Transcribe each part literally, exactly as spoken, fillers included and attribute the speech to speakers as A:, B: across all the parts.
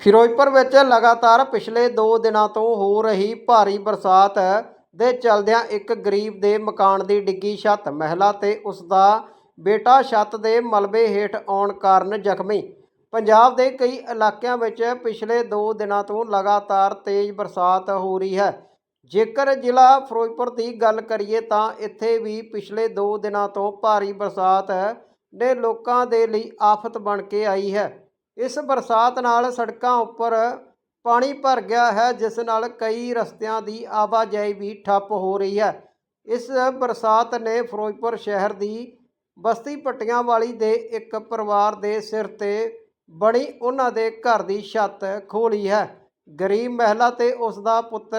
A: ਫਿਰੋਜ਼ਪੁਰ ਵਿੱਚ ਲਗਾਤਾਰ ਪਿਛਲੇ ਦੋ ਦਿਨਾਂ ਤੋਂ ਹੋ ਰਹੀ ਭਾਰੀ ਬਰਸਾਤ ਦੇ ਚਲਦਿਆਂ ਇੱਕ ਗਰੀਬ ਦੇ ਮਕਾਨ ਦੀ ਡਿੱਗੀ ਛੱਤ। ਮਹਿਲਾ ਤੇ ਉਸ ਦਾ ਬੇਟਾ ਛੱਤ ਦੇ ਮਲਬੇ ਹੇਠ ਆਉਣ ਕਾਰਨ ਜ਼ਖਮੀ। ਪੰਜਾਬ ਦੇ ਕਈ ਇਲਾਕਿਆਂ ਵਿੱਚ ਪਿਛਲੇ ਦੋ ਦਿਨਾਂ ਤੋਂ ਲਗਾਤਾਰ ਤੇਜ਼ ਬਰਸਾਤ ਹੋ ਰਹੀ ਹੈ। ਜੇਕਰ ਜ਼ਿਲ੍ਹਾ ਫਿਰੋਜ਼ਪੁਰ ਦੀ ਗੱਲ ਕਰੀਏ ਤਾਂ ਇੱਥੇ ਵੀ ਪਿਛਲੇ ਦੋ ਦਿਨਾਂ ਤੋਂ ਭਾਰੀ ਬਰਸਾਤ ਨੇ ਲੋਕਾਂ ਦੇ ਲਈ ਆਫਤ ਬਣ ਕੇ ਆਈ ਹੈ। ਇਸ ਬਰਸਾਤ ਨਾਲ ਸੜਕਾਂ ਉੱਪਰ ਪਾਣੀ ਭਰ ਗਿਆ ਹੈ, ਜਿਸ ਨਾਲ ਕਈ ਰਸਤਿਆਂ ਦੀ ਆਵਾਜਾਈ ਵੀ ਠੱਪ ਹੋ ਰਹੀ ਹੈ। ਇਸ ਬਰਸਾਤ ਨੇ ਫਿਰੋਜ਼ਪੁਰ ਸ਼ਹਿਰ ਦੀ ਬਸਤੀ ਪੱਟੀਆਂ ਵਾਲੀ ਦੇ ਇੱਕ ਪਰਿਵਾਰ ਦੇ ਸਿਰ ਤੇ ਬਣੀ ਉਹਨਾਂ ਦੇ ਘਰ ਦੀ ਛੱਤ ਖੋਹ ਲਈ ਹੈ। ਗਰੀਬ ਮਹਿਲਾ ਤੇ ਉਸ ਦਾ ਪੁੱਤਰ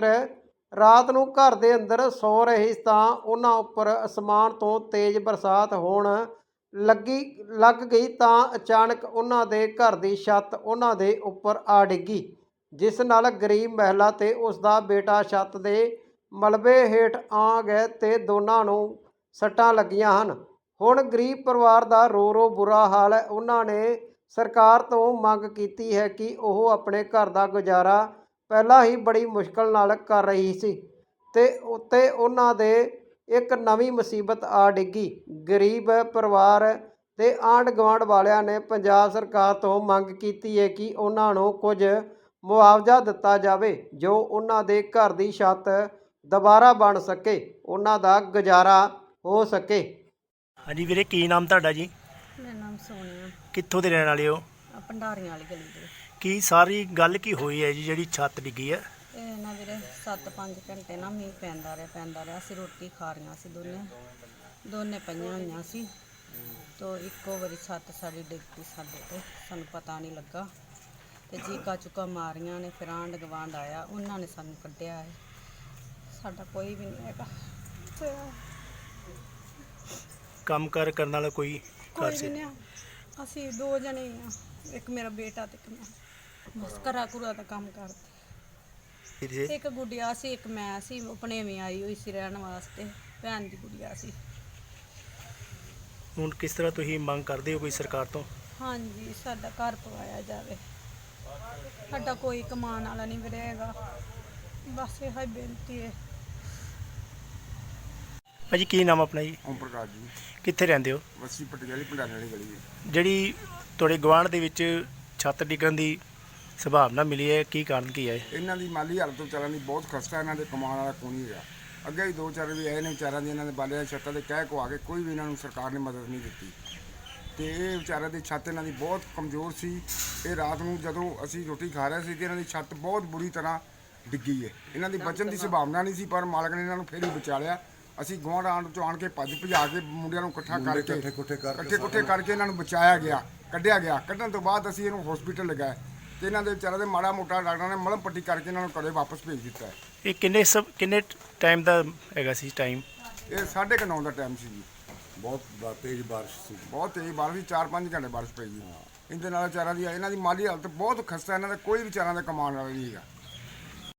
A: ਰਾਤ ਨੂੰ ਘਰ ਦੇ ਅੰਦਰ ਸੌ ਰਹੇ ਤਾਂ ਉਹਨਾਂ ਉੱਪਰ ਅਸਮਾਨ ਤੋਂ ਤੇਜ਼ ਬਰਸਾਤ ਹੋਣ ਲੱਗੀ ਲੱਗ ਗਈ ਤਾਂ ਅਚਾਨਕ ਉਹਨਾਂ ਦੇ ਘਰ ਦੀ ਛੱਤ ਉਹਨਾਂ ਦੇ ਉੱਪਰ ਆ ਡਿੱਗੀ, ਜਿਸ ਨਾਲ ਗਰੀਬ ਮਹਿਲਾ ਤੇ ਉਸ ਦਾ ਬੇਟਾ ਛੱਤ ਦੇ ਮਲਬੇ ਹੇਠ ਆ ਗਏ ਤੇ ਦੋਨਾਂ ਨੂੰ ਸੱਟਾਂ ਲੱਗੀਆਂ ਹਨ। ਹੁਣ ਗਰੀਬ ਪਰਿਵਾਰ ਦਾ ਰੋ ਰੋ ਬੁਰਾ ਹਾਲ ਹੈ। ਉਹਨਾਂ ਨੇ ਸਰਕਾਰ ਤੋਂ ਮੰਗ ਕੀਤੀ ਹੈ ਕਿ ਉਹ ਆਪਣੇ ਘਰ ਦਾ ਗੁਜ਼ਾਰਾ ਪਹਿਲਾਂ ਹੀ ਬੜੀ ਮੁਸ਼ਕਲ ਨਾਲ ਕਰ ਰਹੀ ਸੀ ਤੇ ਉੱਤੇ ਉਹਨਾਂ ਦੇ ਇੱਕ ਨਵੀਂ ਮੁਸੀਬਤ ਆ ਡਿੱਗੀ। ਗਰੀਬ ਪਰਿਵਾਰ ਤੇ ਆਂਢ ਗੁਆਂਢ ਵਾਲਿਆਂ ਨੇ ਪੰਜਾਬ ਸਰਕਾਰ ਤੋਂ ਮੰਗ ਕੀਤੀ ਹੈ ਕਿ ਉਹਨਾਂ ਨੂੰ ਕੁਝ ਮੁਆਵਜ਼ਾ ਦਿੱਤਾ ਜਾਵੇ, ਜੋ ਉਹਨਾਂ ਦੇ ਘਰ ਦੀ ਛੱਤ ਦੁਬਾਰਾ ਬਣ ਸਕੇ, ਉਹਨਾਂ ਦਾ ਗੁਜ਼ਾਰਾ ਹੋ ਸਕੇ।
B: ਹਾਂਜੀ ਵੀਰੇ, ਕੀ ਨਾਮ ਤੁਹਾਡਾ ਜੀ?
C: ਮੇਰਾ ਨਾਮ ਸੋਨੀਆ,
B: ਕਿੱਥੋਂ ਦੇ ਰਹਿਣ ਵਾਲੇ ਹੋ?
C: ਭੰਡਾਰੀਆਂ ਵਾਲੀ ਗਲੀ ਦੇ।
B: ਕੀ ਸਾਰੀ ਗੱਲ ਕੀ ਹੋਈ ਹੈ ਜੀ ਜਿਹੜੀ ਛੱਤ ਡਿੱਗੀ ਹੈ?
C: ਇਹ ਨਾ ਵੀਰੇ ਸੱਤ ਪੰਜ ਘੰਟੇ ਨਾ ਮੀਂਹ ਪੈਂਦਾ ਰਿਹਾ ਪੈਂਦਾ ਰਿਹਾ ਅਸੀਂ ਰੋਟੀ ਖਾ ਰਹੀਆਂ ਸੀ, ਦੋਨੇ ਦੋਨੇ ਪਈਆਂ ਹੋਈਆਂ ਸੀ ਤੋ ਇੱਕੋ ਵਾਰੀ ਛੱਤ ਸਾਡੀ ਡਿੱਗ ਪਈ ਸਾਡੇ ਤੇ, ਸਾਨੂੰ ਪਤਾ ਨਹੀਂ ਲੱਗਾ ਤੇ ਚੀਕਾ ਚੁੱਕਾ ਮਾਰੀਆਂ ਨੇ। ਫਿਰ ਆਂਢ ਗੁਆਂਢ ਆਇਆ, ਉਹਨਾਂ ਨੇ ਸਾਨੂੰ ਕੱਢਿਆ ਹੈ। ਸਾਡਾ ਕੋਈ ਵੀ ਨਹੀਂ ਹੈਗਾ,
B: ਕੰਮ ਕਾਰ ਕਰਨ ਵਾਲਾ ਕੋਈ
C: ਕੋਈ
B: ਘਰ
C: ਵੀ
B: ਸੀ?
C: ਨਹੀਂ। ਅਸੀਂ ਦੋ ਜਣੇ ਆ, ਇੱਕ ਮੇਰਾ ਬੇਟਾ ਤੇ ਇੱਕ ਮੈਂ, ਬਸ ਘਰਾਂ ਘੁਰਾਂ ਦਾ ਕੰਮ ਕਰਦੇ।
B: ਵੀਰੇ,
C: ਇੱਕ ਗੁੱਡੀਆ ਸੀ, ਇੱਕ ਮੈਂ ਸੀ, ਆਪਣੇ ਵੀ ਆਈ ਹੋਈ ਸੀ ਰਹਿਣ ਵਾਸਤੇ, ਭੈਣ ਦੀ ਗੁੱਡੀਆ ਸੀ।
B: ਹੁਣ ਕਿਸ ਤਰ੍ਹਾਂ ਤੁਸੀਂ ਮੰਗ ਕਰਦੇ ਹੋ ਕੋਈ ਸਰਕਾਰ ਤੋਂ?
C: ਹਾਂਜੀ, ਸਾਡਾ ਘਰ ਪਵਾਇਆ ਜਾਵੇ, ਸਾਡਾ ਕੋਈ ਕਮਾਉਣ ਵਾਲਾ ਨਹੀਂ ਵੀਰੇ ਹੈਗਾ, ਬਸ ਇਹ ਹੀ ਬੇਨਤੀ ਹੈ।
B: ਭਾਜੀ ਕੀ ਨਾਮ ਆਪਣਾ ਜੀ?
D: ਓਮ ਪ੍ਰਕਾਸ਼ ਜੀ,
B: ਕਿੱਥੇ ਰਹਿੰਦੇ ਹੋ?
D: ਬਸਤੀ ਪੱਟੀ ਵਾਲੀ ਭੰਡਾਰੀ ਵਾਲੀ ਗਲੀ ਹੈ।
B: ਜਿਹੜੀ ਤੁਹਾਡੇ ਗੁਆਂਢ ਦੇ ਵਿੱਚ ਛੱਤ ਡਿੱਗਣ ਦੀ ਸੰਭਾਵਨਾ ਮਿਲੀ ਹੈ, ਕੀ ਕਾਰਨ ਕੀ ਹੈ?
D: ਇਹਨਾਂ ਦੀ ਮਾਲੀ ਹਾਲਤ ਵਿਚਾਰਿਆਂ ਦੀ ਬਹੁਤ ਖਸਤਾ, ਇਹਨਾਂ ਦੇ ਕਮਾਉਣ ਵਾਲਾ ਕੋਈ ਨਹੀਂ ਹੈਗਾ। ਅੱਗੇ ਵੀ ਦੋ ਚਾਰ ਵੀ ਆਏ ਨੇ ਵਿਚਾਰਿਆਂ ਦੀ, ਇਹਨਾਂ ਦੇ ਬਾਲਿਆਂ ਦੀ ਛੱਤਾਂ ਦੇ ਕਹਿ ਕੋ ਆ ਕੇ ਕੋਈ ਵੀ ਇਹਨਾਂ ਨੂੰ ਸਰਕਾਰ ਨੇ ਮਦਦ ਨਹੀਂ ਦਿੱਤੀ ਤੇ ਇਹ ਵਿਚਾਰਿਆਂ ਦੀ ਛੱਤ ਇਹਨਾਂ ਦੀ ਬਹੁਤ ਕਮਜ਼ੋਰ ਸੀ। ਇਹ ਰਾਤ ਨੂੰ ਜਦੋਂ ਅਸੀਂ ਰੋਟੀ ਖਾ ਰਹੇ ਸੀ ਤੇ ਇਹਨਾਂ ਦੀ ਛੱਤ ਬਹੁਤ ਬੁਰੀ ਤਰ੍ਹਾਂ ਡਿੱਗੀ ਹੈ। ਇਹਨਾਂ ਦੀ ਬਚਣ ਦੀ ਸੰਭਾਵਨਾ ਨਹੀਂ ਸੀ, ਪਰ ਮਾਲਕ ਨੇ ਇਹਨਾਂ ਨੂੰ ਫਿਰ ਹੀ ਬਚਾ ਲਿਆ। ਅਸੀਂ ਗੁਆਂਢ ਆਂਢ ਚੋਂ ਆਣ ਕੇ ਭੱਜ ਭਜਾ ਕੇ ਮੁੰਡਿਆਂ ਨੂੰ ਇਕੱਠਾ ਕਰਕੇ ਇਕੱਠੇ ਕੁੱਠੇ ਕਰਕੇ ਇਹਨਾਂ ਨੂੰ ਬਚਾਇਆ ਗਿਆ, ਕੱਢਿਆ ਗਿਆ। ਕੱਢਣ ਤੋਂ ਬਾਅਦ ਅਸੀਂ ਇਹਨੂੰ ਹਸਪੀਟਲ ਲਗਾਇਆ ਤੇ ਇਹਨਾਂ ਦੇ ਵਿਚਾਰਿਆਂ ਦੇ ਮਾੜਾ ਮੋਟਾ ਡਾਕਟਰਾਂ ਨੇ ਮਲਮ ਪੱਟੀ ਕਰਕੇ ਇਹਨਾਂ ਨੂੰ ਘਰੇ ਵਾਪਸ ਭੇਜ ਦਿੱਤਾ ਹੈ।
B: ਇਹ ਕਿੰਨੇ ਸਭ ਕਿੰਨੇ ਟਾਈਮ ਦਾ ਹੈਗਾ ਸੀ ਟਾਈਮ?
D: ਇਹ ਸਾਢੇ ਕੁ ਨੌ ਦਾ ਟਾਈਮ ਸੀ ਜੀ।
E: ਬਹੁਤ ਬ- ਤੇਜ਼ ਬਾਰਿਸ਼ ਸੀ।
D: ਬਹੁਤ ਤੇਜ਼ ਬਾਰਿਸ਼ ਸੀ, ਚਾਰ ਪੰਜ ਘੰਟੇ ਬਾਰਿਸ਼ ਪਈ ਜੀ। ਇਹਦੇ ਨਾਲ ਵਿਚਾਰਿਆਂ ਦੀ ਇਹਨਾਂ ਦੀ ਮਾਲੀ ਹਾਲਤ ਬਹੁਤ ਖਸਤਾ, ਇਹਨਾਂ ਦਾ ਕੋਈ ਵਿਚਾਰਿਆਂ ਦਾ ਕਮਾਉਣ ਵਾਲਾ ਨਹੀਂ ਹੈਗਾ।